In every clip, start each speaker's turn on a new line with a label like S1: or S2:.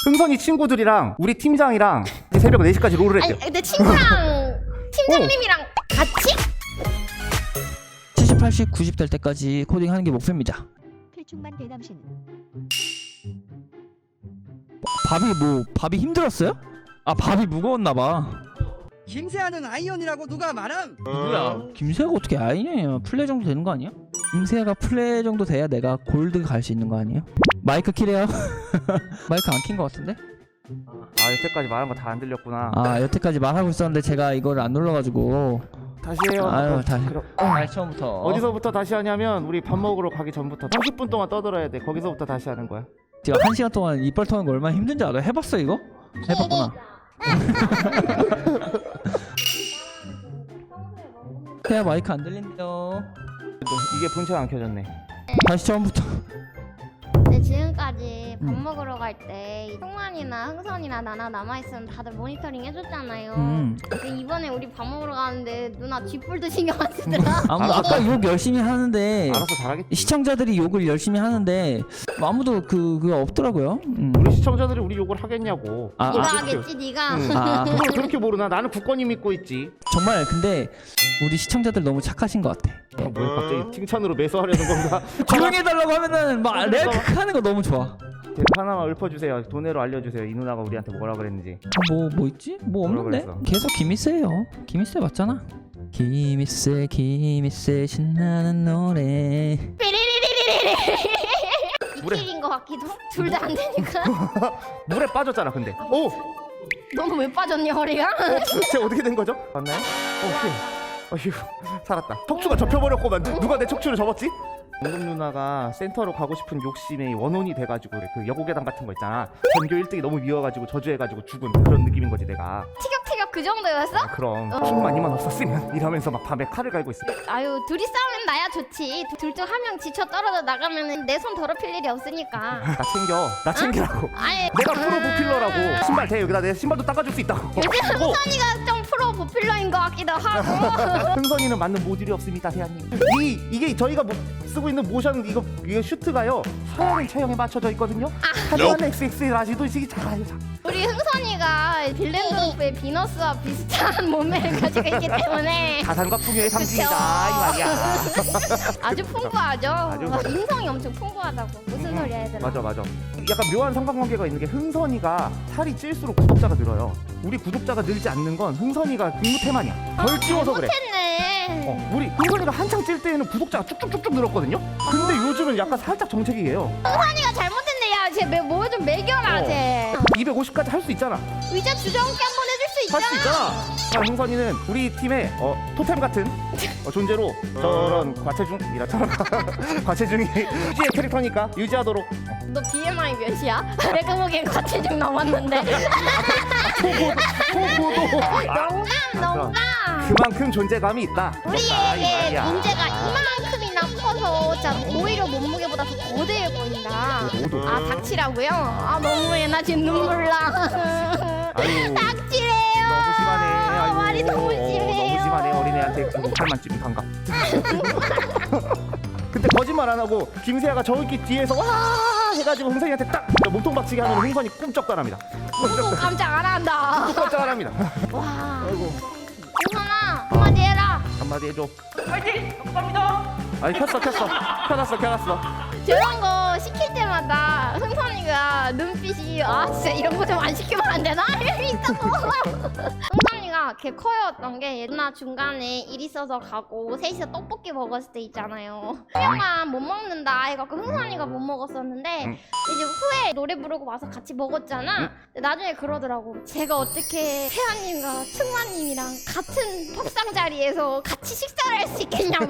S1: 흥선이 친구들이랑 우리 팀장이랑 새벽 4시까지 롤을 했대요.
S2: 근데 친구랑 팀장님이랑 같이?
S3: 70, 80, 90 될 때까지 코딩하는 게 목표입니다.
S4: 필충만 대남신.
S3: 밥이 힘들었어요? 아, 밥이 무거웠나봐.
S5: 김세아는 아이언이라고 누가 말함?
S3: 누구야? 김세아가 어떻게 아이언이야? 플레 정도 되는 거 아니야? 김세아가 플레 정도 돼야 내가 골드 갈 수 있는 거 아니에요? 마이크 키래요? 마이크 안 킨 거 같은데?
S1: 아 여태까지 말한 거 다 안 들렸구나.
S3: 아, 여태까지 말하고 있었는데 제가 이걸 안 눌러가지고.
S1: 다시 해요.
S3: 아유, 다시.
S1: 그럼
S3: 다시 처음부터.
S1: 어디서부터 다시 하냐면 우리 밥 먹으러 가기 전부터 30분 동안 떠들어야 돼. 거기서부터 다시 하는 거야.
S3: 제가 1시간 동안 이빨 터는 거 얼마나 힘든지 알아? 해봤어 이거? 해봤구나. 태야 마이크 안 들린대요.
S1: 이게 본체가 안 켜졌네.
S3: 다시 처음부터.
S2: 근데 지금까지 밥 먹으러 갈 때 승환이나 흥선이나 나나 남아있으면 다들 모니터링 해줬잖아요. 근데 이번에 우리 밥 먹으러 가는데 누나 쥐뿔도 신경 안 쓰더라.
S3: 아까 욕 열심히 하는데
S1: 알아서 잘하겠지.
S3: 시청자들이 욕을 열심히 하는데 아무도 그거 없더라고요.
S1: 우리 시청자들이 우리 욕을 하겠냐고.
S2: 네가 하겠지 네가.
S3: 아,
S1: 그걸 그렇게 모르나? 나는 굳건히 믿고 있지.
S3: 정말 근데 우리 시청자들 너무 착하신 것 같아.
S1: 뭐야 갑자기 칭찬으로 매수하려는 건가?
S3: 조용히 해달라고 하면은 막 내가 하는 거 너무 좋아.
S1: 하나만 읊어주세요. 돈으로 알려주세요. 이 누나가 우리한테 뭐라 그랬는지.
S3: 뭐 있지? 뭐
S1: 뭐라
S3: 없는데?
S1: 그랬어?
S3: 계속 김이세요. 김이세 맞잖아. 김이세 신나는 노래.
S1: 물에.
S2: 비킬인 것 같기도. 둘 다 안 되니까.
S1: 물에 빠졌잖아 근데. 오!
S2: 너는 왜 빠졌니 허리가?
S1: 쟤 어떻게 된 거죠? 맞나요? 휴. 살았다. 척추가 접혀버렸구만. 누가 내 척추를 접었지? 공금 누나가 센터로 가고 싶은 욕심에 원혼이 돼가지고 그래. 그 여고괴담 같은 거 있잖아. 전교 1등이 너무 미워가지고 저주해가지고 죽은 그런 느낌인 거지 내가.
S2: 티격태격 그 정도였어?
S1: 아, 그럼 힘만이만 없었으면 이러면서 막 밤에 칼을 갈고 있어.
S2: 아유 둘이 싸우면 나야 좋지. 둘 중 한 명 지쳐 떨어져 나가면은 내 손 더럽힐 일이 없으니까.
S1: 나 챙기라고.
S2: 아니
S1: 내가 프로 보필러라고. 신발 대 여기다 내 신발도 닦아줄 수 있다고.
S2: 요즘 흥선이가 좀 프로 보필러인 것 같기도 하고.
S1: 흥선이는 맞는 모듈이 없습니다 대한님. 이게 저희가 쓰고 있는 모션 이거 슈트가요 서양인 체형에 맞춰져 있거든요. 하지만 XX 라지도 이게 작아요.
S2: 우리 흥선이가 빌랜드로프의 비너스와 비슷한 몸매를 가지고 있기 때문에
S1: 가산과 풍요의 상징이다 이 말이야.
S2: 아주 풍부하죠.
S1: 아주.
S2: 인성이 엄청 풍부하다고. 무슨 소리야 얘들아.
S1: 맞아. 약간 묘한 상관관계가 있는 게 흥선이가 살이 찔수록 구독자가 늘어요. 우리 구독자가 늘지 않는 건 흥선이가 근무태만이야. 덜 찌워서 그래.
S2: 잘못했네.
S1: 우리 흥선이가 한창 찔 때에는 구독자가 쭉쭉쭉쭉 늘었거든요. 근데 요즘은 약간 살짝 정체기예요.
S2: 흥선이가 잘못했네. 야, 쟤 뭐 좀 매겨라 쟤.
S1: 250까지 할 수 있잖아.
S2: 의자 주저앉게 한번 해줄 수
S1: 할
S2: 있잖아.
S1: 수 있잖아. 흥선이는 우리 팀의 토템 같은 존재로 저런 과체중이라처럼 과체중이 유지의 캐릭터니까 유지하도록.
S2: 너 BMI 몇이야? 내가 보기엔 과체중 넘었는데. 농담.
S1: 그만큼 존재감이 있다.
S2: 우리에게 문제가 이만큼이나 커서 진짜 오히려 몸무게보다 더 거대해 보인다. 아 닥치라고요? 아 너무해 나 지금 눈물 나.
S1: 아유,
S2: 닥치래요.
S1: 너무 심하네. 아이고,
S2: 말이 너무 심해요.
S1: 너무 심하네. 어린애한테 팔만 찌면 반갑. 근데 거짓말 안 하고 김세아가 저기 뒤에서 와 해가지고 흥선이한테 딱 몸통 박치기 하면 흥선이 꿈쩍도 안 합니다.
S2: 누구 깜짝 안 한다.
S1: 깜짝 안 합니다.
S2: 와.
S1: 아이고
S2: 흥선아 한마디 해라.
S1: 한마디 해줘. 파이팅! 감사합니다. 아니 켜놨어.
S2: 저런 거 시킬 때마다 흥선이가 눈빛이 아 진짜 이런 거 좀 안 시키면 안 되나? 이러고 흥선이가 걔 커였던 게 누나 중간에 일 있어서 가고 셋이서 떡볶이 먹었을 때 있잖아요. 형아 못 먹는다 해갖고 흥선이가 못 먹었었는데 이제 후에 노래 부르고 와서 같이 먹었잖아. 근데 나중에 그러더라고. 제가 어떻게 태아님과 승만님이랑 같은 밥상 자리에서 같이 식사를 할 수 있겠냐고.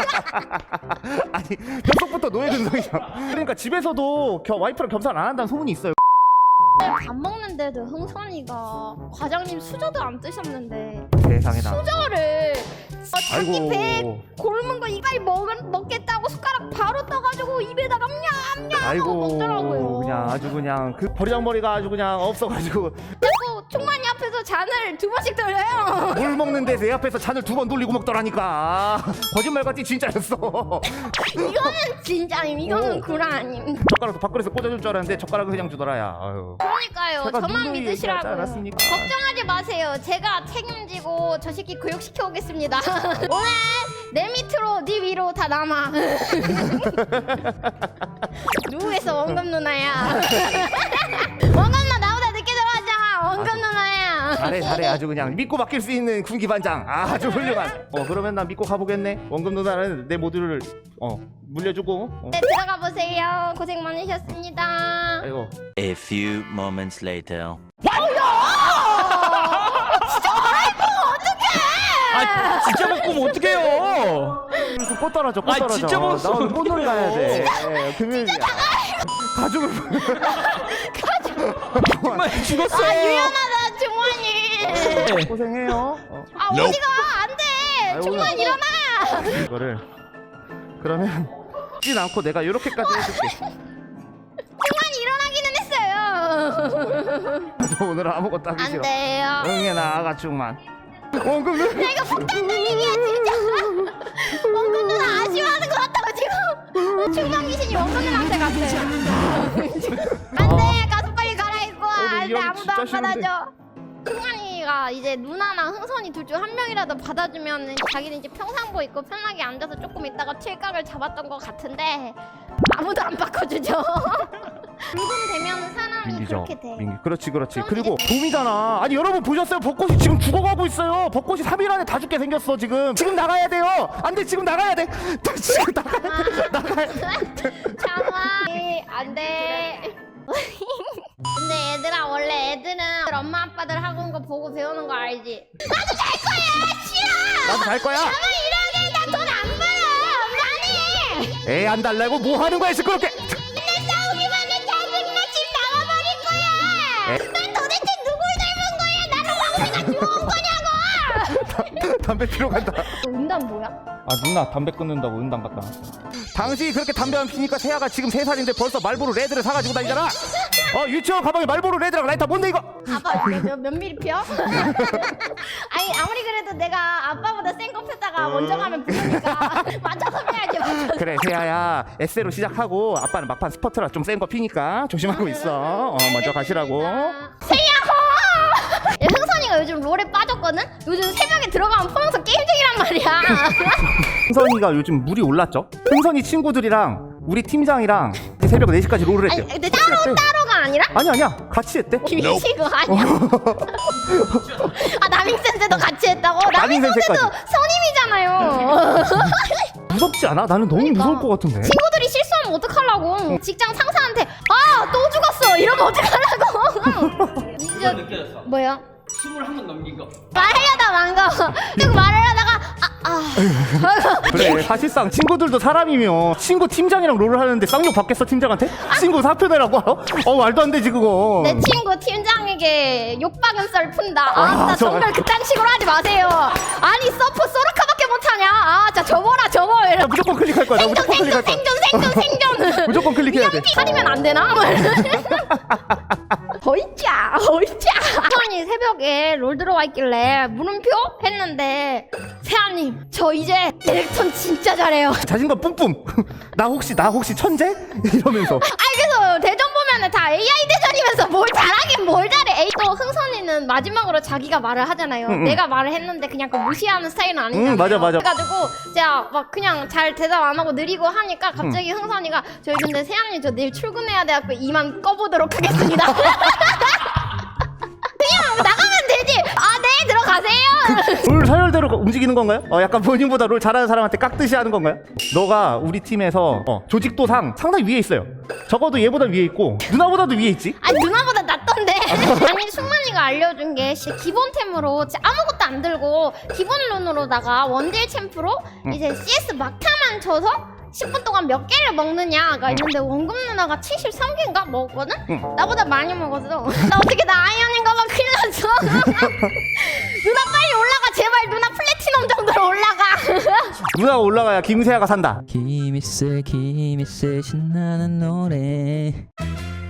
S1: 아니 뼛속부터 노예 근성이잖아. 그러니까 집에서도 와이프랑 겸상 안 한다는 소문이 있어요.
S2: 밥 먹는데도 흥선이가 과장님 수저도 안 뜨셨는데
S1: 세상에나.
S2: 수저를 자기 배 굶은 거 이빨 먹겠다고 숟가락 바로 떠가지고 입에다가 냠냠 하고
S1: 아이고
S2: 먹더라고요.
S1: 그냥 아주 그냥 그 버리장머리가 아주 그냥 없어가지고
S2: 자꾸 총만이 앞에서 잔을 2번씩 돌려요.
S1: 물 먹는데 내 앞에서 잔을 2번 돌리고 먹더라니까. 거짓말같이 진짜였어.
S2: 이거는 진짜임. 이거는
S1: 오.
S2: 구라 아님.
S1: 젓가락도 밥그릇에 꽂아줄 줄 알았는데 젓가락을 그냥 주더라야. 아유.
S2: 그러니까요.
S1: 제가
S2: 저만
S1: 누누이
S2: 믿으시라고.
S1: 얘기하지 않았습니까?
S2: 걱정하지 마세요. 제가 책임지고 저 새끼 교육시켜 오겠습니다. 오늘 내 밑으로 네 위로 다 남아. 누구겠어 원금 누나야. 원금 누나 나보다 늦게 들어왔잖아. 원금 누나야.
S1: 잘해 아주 그냥 믿고 맡길 수 있는 군기 반장. 아주 훌륭한. 그러면 난 믿고 가보겠네. 원금 누나는 내 모두를 물려주고.
S2: 네, 들어가 보세요. 고생 많으셨습니다.
S1: 아이고.
S4: A few moments later.
S3: 아 진짜 먹고 어떡해요?
S1: 그래서 꽃 떨어져 꽃
S3: 아,
S1: 떨어져.
S3: 진짜 먹었어.
S1: 나 오늘 꽃놀이 가야 돼. 금요일이야. 가족을.
S3: 정말 죽었어.
S2: 아 유연하다 중환이.
S1: 고생해요.
S2: 아 어디가 안돼.
S1: 아이고,
S2: 중환 일어나.
S1: 이거를 그러면 찌진 않고 내가 이렇게까지 해줄게.
S2: 중환 일어나기는 했어요.
S1: 저 오늘 아무것도 하기 싫어.
S2: 안 돼요.
S1: 응애 나아가 충만. 원금 누나.
S2: 내가 폭탄 얘기야 진짜. 원근 누나 아쉬워하는 것 같다고 지금. 충만 귀신이 원근 누나한테 갔어요. 안돼 가서 빨리 갈아입고 와.
S1: 오늘 이
S2: 안돼
S1: 형이
S2: 아무도
S1: 진짜
S2: 안
S1: 싫은데.
S2: 받아줘. 승환이가 이제 누나랑 흥선이 둘 중 한 명이라도 받아주면 자기는 이제 평상복 입고 편하게 앉아서 조금 있다가 칠각을 잡았던 것 같은데 아무도 안 바꿔주죠. 붉은 되면 사람이
S1: 민기죠.
S2: 그렇게 돼.
S1: 민기. 그렇지.
S2: 그럼
S1: 그리고 봄이잖아. 아니 여러분 보셨어요? 벚꽃이 지금 죽어가고 있어요. 벚꽃이 3일 안에 다 죽게 생겼어 지금. 지금 나가야 돼요. 안 돼 지금 나가야 돼. 지금 나가야 돼.
S2: 참아. 안돼. 근데 얘들아 원래 애들은 엄마 아빠들 하고 온 거 보고 배우는 거 알지? 나도 잘 거야. 싫어.
S1: 나도 갈 거야.
S2: 나만 이러게 나 돈 안 벌어. 나는.
S1: 애 안 달라고 뭐 하는 거야 시끄럽게.
S2: 맨날 싸우기만 해. 짜증나. 집 나가버릴 거야. 난 도대체 누굴 닮은 거야? 나는 왕새가 좋은 거냐고.
S1: 담배 피러 간다.
S2: 음담 뭐야?
S1: 아 누나 담배 끊는다고 은당 갔다 왔어. 당신이 그렇게 담배 안 피니까 세아가 지금 3살인데 벌써 말보로 레드를 사가지고 다니잖아. 유치원 가방에 말보로 레드랑 라이터 뭔데 이거?
S2: 아빠 몇 미리 펴? 아니 아무리 그래도 내가 아빠보다 센 거 폈다가 먼저 가면 부르니까 맞춰서 펴야지 맞춰서.
S1: 그래 세아야 에세로 시작하고 아빠는 막판 스퍼트라 좀 센 거 피니까 조심하고 있어. 먼저 가시라고.
S2: 세야호! 야, 흥선이가 요즘 롤에 빠졌거든? 요즘 새벽에 들어가면 포용서 게임 중이란 말이야.
S1: 흥선이가 요즘 물이 올랐죠? 흥선이 친구들이랑 우리 팀장이랑 새벽 4시까지 롤을
S2: 아니
S1: 했대.
S2: 근데 따로가 아니라?
S1: 아니야 같이 했대.
S2: 미치고 아니야. 아 남인센세도 같이 했다고? 남인센세도
S1: 남인센세까지.
S2: 선임이잖아요.
S1: 무섭지 않아? 나는 너무
S2: 그러니까.
S1: 무서울 것 같은데.
S2: 친구들이 실수하면 어떡하려고. 직장 상사한테 아 또 죽었어 이러면 어떡하려고. 진짜
S3: 느껴졌어.
S2: 뭐야?
S3: 21번 넘긴 거.
S2: 말하려다 망가. 쭉 말을 하다가
S1: 그래 사실상 친구들도 사람이며 친구 팀장이랑 롤을 하는데 쌍욕 받겠어 팀장한테? 친구 사표 내라고 알아? 말도 안 되지 그거.
S2: 내 친구 팀장에게 욕박은 썰 푼다. 나
S1: 저-
S2: 정말 그딴 식으로 하지 마세요. 아니 서포 소르카밖에 못하냐. 자 접어라 접어.
S1: 나 무조건 클릭할 거야. 나
S2: 생존
S1: 무조건 클릭할 거야.
S2: 생존.
S1: 무조건 클릭해야 돼.
S2: 가리면 안 되나? 허이짜. 선이 새벽에 롤 들어와 있길래 물음표 했는데 세아님 저 이제 디렉턴 진짜 잘해요.
S1: 자신감 뿜뿜. 나 혹시 천재? 이러면서.
S2: 그래서 대전 보면은 다 AI 대전이면서 뭘 잘하긴 뭘 잘해. 또 흥선이는 마지막으로 자기가 말을 하잖아요. 내가 말을 했는데 그냥 그 무시하는 스타일은 아니잖아요.
S1: 맞아.
S2: 그래가지고 제가 막 그냥 잘 대답 안 하고 느리고 하니까 갑자기 흥선이가 저희 근데 세아님 저 내일 출근해야 돼갖고 이만 꺼보도록 하겠습니다. 그냥 나가면 되지. 네 들어가세요.
S1: 롤 서열대로 움직이는 건가요? 약간 본인보다 롤 잘하는 사람한테 깍듯이 하는 건가요? 너가 우리 팀에서 조직도상 상당히 위에 있어요. 적어도 얘보다 위에 있고 누나보다도 위에 있지?
S2: 아니 누나보다 낫던데. 아니 승만이가 알려준 게 진짜 기본템으로 진짜 아무것도 안 들고 기본 룬으로다가 원딜 챔프로 이제 CS 막타만 쳐서 10분 동안 몇 개를 먹느냐가 있는데 원금 누나가 73개인가 먹었거든? 나보다 많이 먹었어. 나 어떻게 나 아이언인가 봐. 큰일 났어. 누나 빨리 올라가 제발. 누나 플래티넘 정도로 올라가.
S1: 누나가 올라가야 김세아가 산다.
S3: 기미세 기미세 신나는 노래